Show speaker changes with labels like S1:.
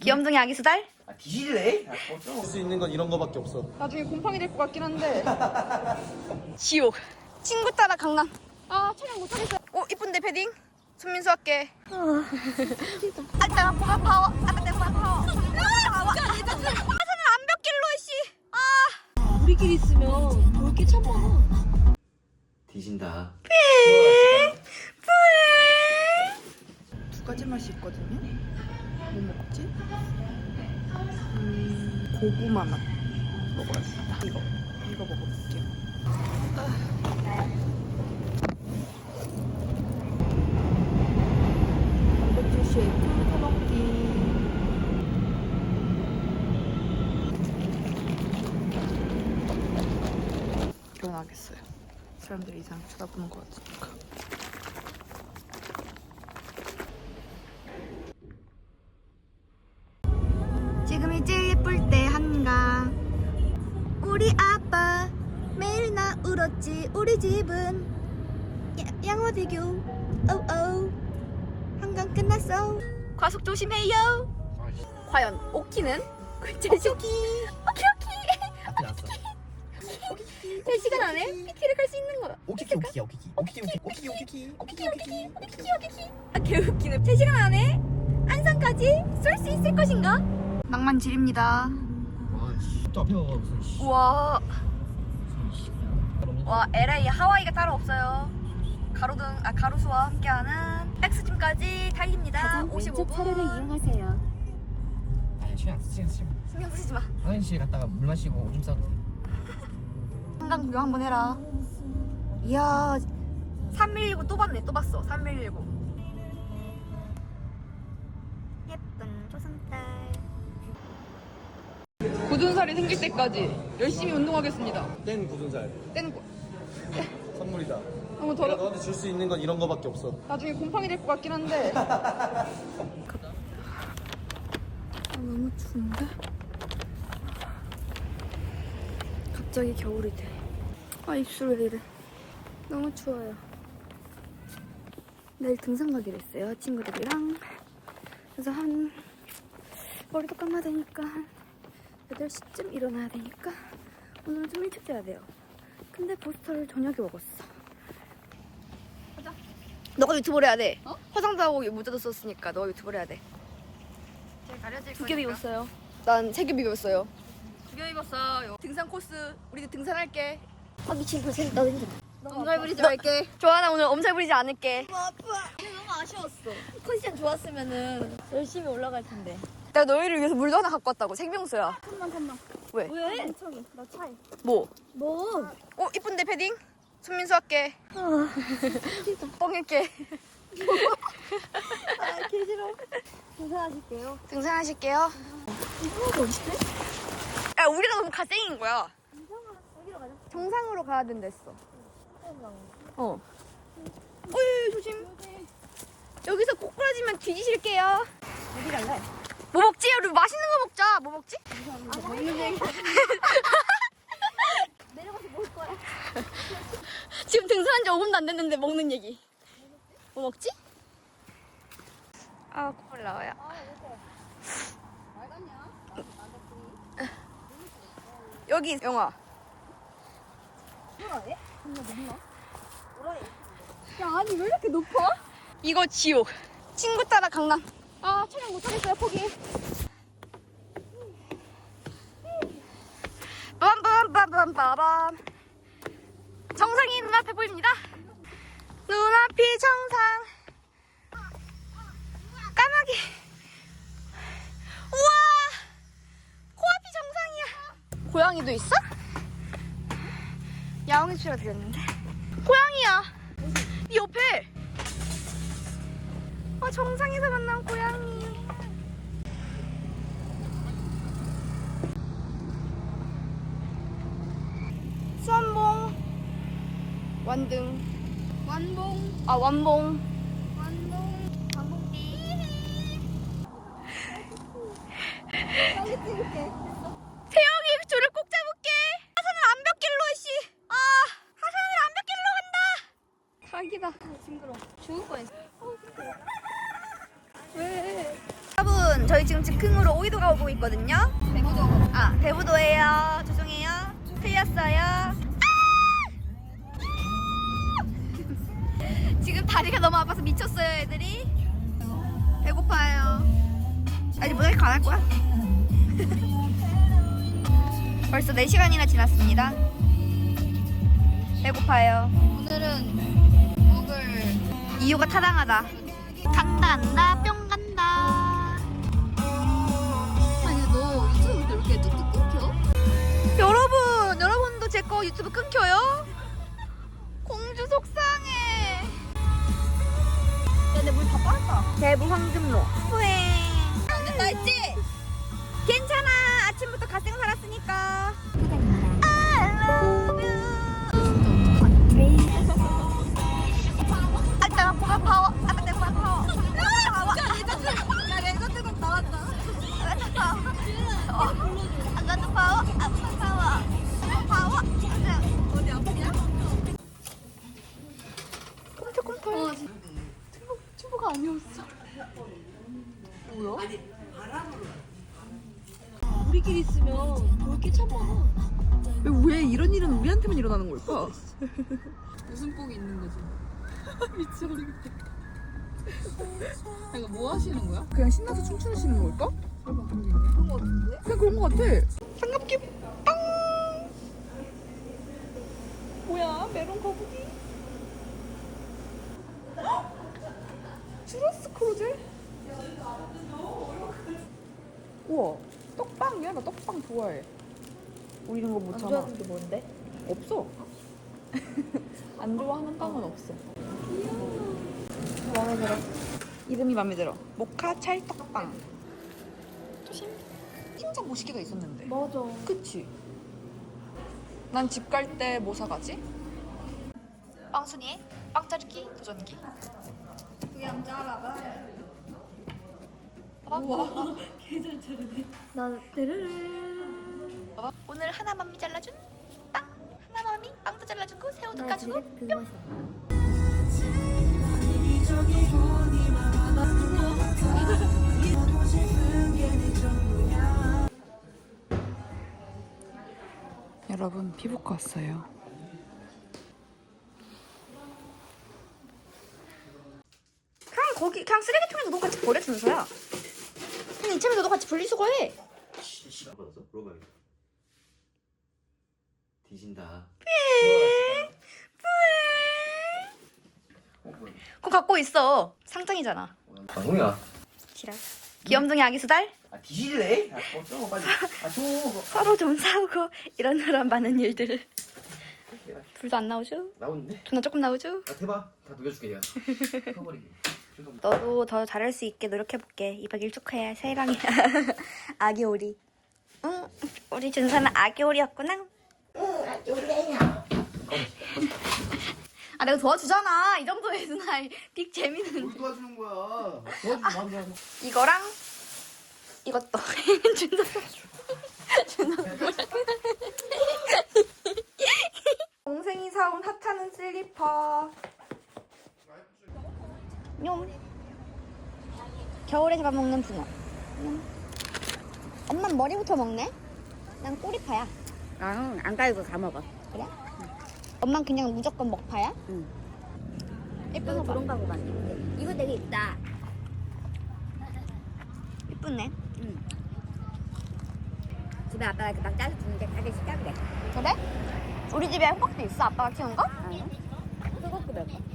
S1: 귀염둥이 아기 수달?
S2: 뒤질래?
S3: 할 수 있는 건 이런 거밖에 없어.
S4: 나중에 곰팡이 될 것 같긴 한데.
S1: 지옥. 친구 따라 강남.
S4: 아, 촬영 못하겠어요.
S1: 이쁜데 패딩? 손민수 할게. 아따 파워. 하산은 암벽길로 씨.
S4: 우리끼리 있으면 볼 게 참 많아.
S2: 뒤진다.
S1: 두 가지 맛이 있거든요. 뭐 먹지? 고구마 맛 먹어야겠다. 이거 먹어볼게요. 단백질 쉐이크 타먹기. 일어나겠어요. 사람들이 이상 쳐다보는 것 같으니까. 지금이 제일 예쁠 때 한강. 우리 아빠 매일 나 울었지. 우리 집은 양화대교. 오오 한강 끝났어. 과속 조심해요. 과연 오키는? 오키. 제 시간 안에 PT를 갈 수 있는 거야.
S2: 오키키.
S1: 개웃기네. 3시간 안에 안산까지 쏠 수 있을 것인가? 낭만질입니다.
S2: 또 앞에 와봐 무슨.
S1: 우와. 와, LA 하와이가 따로 없어요. 가로수와 함께하는 백스팀까지 달립니다. 55분.
S4: 이용하세요.
S2: 아니 신경
S1: 쓰지 마.
S2: 화장실 갔다가 물 마시고 오줌 싸도 돼.
S1: 한강 구경 한번 해라. 이야, 3119 또 봤네. 또 봤어. 3119. 예쁜 조선딸.
S4: 굳은 살이 생길 때까지 열심히 운동하겠습니다.
S3: 뗀 굳은 살.
S4: 떼는 거.
S3: 선물이다.
S4: 한번
S3: 내가
S4: 더.
S3: 너한테 줄 수 있는 건 이런 거밖에 없어.
S4: 나중에 곰팡이 될 것 같긴 한데.
S1: 너무 추운데? 갑자기 겨울이 돼. 입술 왜 이래. 너무 추워요. 내일 등산 가기로 했어요, 친구들이랑. 그래서 머리도 감아야 되니까 8시쯤 일어나야 되니까 오늘은 좀 일찍 자야 돼요. 근데 포스터를 저녁에 먹었어. 가자. 너가 유튜브를 해야 돼. 화장도 하고 모자도 썼으니까 너가 유튜브를 해야 돼. 두 겹 입었어요. 난 3겹 입었어요. 2겹 입었어요. 등산 코스. 우리도 등산할게.
S4: 미친 거 나도 힘들어.
S1: 엄살 부리지 말게. 조하나 오늘 엄살 부리지 않을게.
S4: 너무 아쉬웠어. 컨디션 좋았으면은 열심히 올라갈 텐데.
S1: 내가 너희를 위해서 물도 하나 갖고 왔다고. 생명수야.
S4: 잠깐만.
S1: 왜?
S4: 왜? 나 차에.
S1: 뭐?
S4: 뭐?
S1: 이쁜데 패딩? 손민수 할게. 뻥일게.
S4: 개 싫어. 등산하실게요.
S1: 등산하실게요.
S4: 이거 어딨지?
S1: 야, 우리가 너무 갓생인 거야.
S4: 여기로 가자.
S1: 정상으로 가야 된다 했어. 조심. 여기서 꼬꾸라지면 뒤지실게요.
S4: 어디 갈래?
S1: 뭐 먹지? 우리 맛있는 거 먹자. 뭐 먹지?
S4: 먹는 얘기. 내려가서 먹을 거야.
S1: 지금 등산한 지 5분도 안 됐는데 먹는 얘기. 뭐 먹지? 콧물 나와요. 여기 영화.
S4: 뭐라해? 뭐라해? 야, 아니 왜 이렇게 높아?
S1: 이거 지옥. 친구 따라 강남.
S4: 아, 촬영 못하겠어요. 포기.
S1: 빰빰빰빰빰빰. 정상이 눈앞에 보입니다. 눈앞이 정상. 까마귀. 우와, 코앞이 정상이야. 고양이도 있어? 야옹이 소리가 들렸는데. 고양이야. 네 옆에. 정상에서 만난 고양이. 수원봉. 완등.
S4: 완봉.
S1: 완봉.
S4: 완봉. 완봉띠. 빨리 찍을게.
S1: 태영이 줄을 꼭 잡을게. 하산은 암벽길로 씨. 하산은 암벽길로 간다.
S4: 사기다. 징그러. 죽을 뻔했어.
S1: 왜? 여러분, 저희 지금 즉흥으로 오이도가 오고 있거든요.
S4: 대구도.
S1: 아, 대부도예요. 죄송해요. 틀렸어요. 아! 지금 다리가 너무 아파서 미쳤어요, 애들이. 배고파요. 아니, 모자이크 안 할 거야? 벌써 4시간이나 지났습니다. 배고파요.
S4: 오늘은 먹을
S1: 이유가 타당하다. 간다, 뿅 간다.
S4: 아니 너 유튜브 볼 때 이렇게 뚝뚝 끊겨?
S1: 여러분도 제 거 유튜브 끊겨요? 공주 속상해.
S4: 야 내 물 다 빠졌다.
S1: 대부 황금로 후행.
S4: 안 된다 했지?
S1: 괜찮아. 아침부터 갓생 살았으니까. I love you. 아따가 보가 파워. 아따가 보가 파워. 파워.
S4: 야 레전드 곡 나왔다.
S1: 아따가 파워. 아따가 파워. 아따가 파워. 파워.
S4: 어디 아프냐?
S1: 꼼짝꼼짝.
S4: 친구가 아니었어. 뭐야? 우리끼리 있으면 볼 게 참 많아.
S5: 왜 이런 일은 우리한테만 일어나는 걸까?
S4: 웃음복이 있는 거지. 미쳐버리겠다. 이거 뭐 하시는 거야?
S5: 그냥 신나서 춤추시는 걸까?
S4: 그런 거 같은데?
S5: 그냥 그런 거 같아. 삼각김 빵! 뭐야? 메론 거북이? 추러스 크루젤? 우와, 떡빵이야? 나 떡빵 좋아해. 우리 이런 거 못 참아.
S4: 게 뭔데?
S5: 없어. 안 좋아하는 빵은 없어.
S1: 마음에 들어.
S5: 이름이 마음에 들어. 모카 찰떡빵. 조심. 진짜 멋있게가 있었는데.
S4: 맞아.
S5: 그치? 난 집 갈 때 뭐 사가지?
S1: 빵순이의 빵 자르기 도전기.
S4: 그게 안 잘라봐.
S1: 난 데르르. 오늘 하나맘이 잘라준 빵. 하나맘이 빵도 잘라주고 새우도 까주고. 뿅.
S5: 여러분, 피부과 왔어요.
S1: 그냥 쓰레기통에 너도 같이 버려 준서야. 그냥 이참에 너도 같이 분리수거해.
S2: 받았어? 물어봐야겠다. 뒤진다.
S1: 그거 갖고 있어. 상장이잖아.
S2: 방송이야.
S1: 지랄. 귀염둥이 아기 수달.
S2: 아 뒤질래? 아 줘 빨리. 아 줘.
S1: 서로 좀 싸우고 이런저런 많은 일들. 불도 안 나오죠?
S2: 나오는데?
S1: 존나 조금 나오죠?
S2: 아 대박. 다 녹여줄게 내가. 커버리기.
S1: 너도 더 잘할 수 있게 노력해볼게. 2박 1 축하해. 새해랑이야. 아기 오리. 응, 우리 준서는 아기 오리였구나. 응, 아기 오리야. 아, 내가 도와주잖아. 이 정도의 누나 빅 재미는.
S2: 뭘 도와주는 거야? 도와주면 안 돼.
S1: 이거랑 이것도. 준서. 동생이 사온 핫하는 슬리퍼. 뇽. 겨울에 잡아먹는 붕어. 엄마는 머리부터 먹네? 난 꼬리파야.
S6: 나는 안 갈고 다 먹어.
S1: 그래? 엄마는 그냥 무조건 먹파야?
S6: 응.
S1: 예쁜 거 봐.
S6: 그런 거 같네. 이거 되게 있다.
S1: 예쁘네.
S6: 집에 아빠가 그막 짜서 주는데 가게 시켜 그래.
S1: 그래? 우리 집에 호박도 있어? 아빠가 키운 거?
S6: 그것도 몇 번.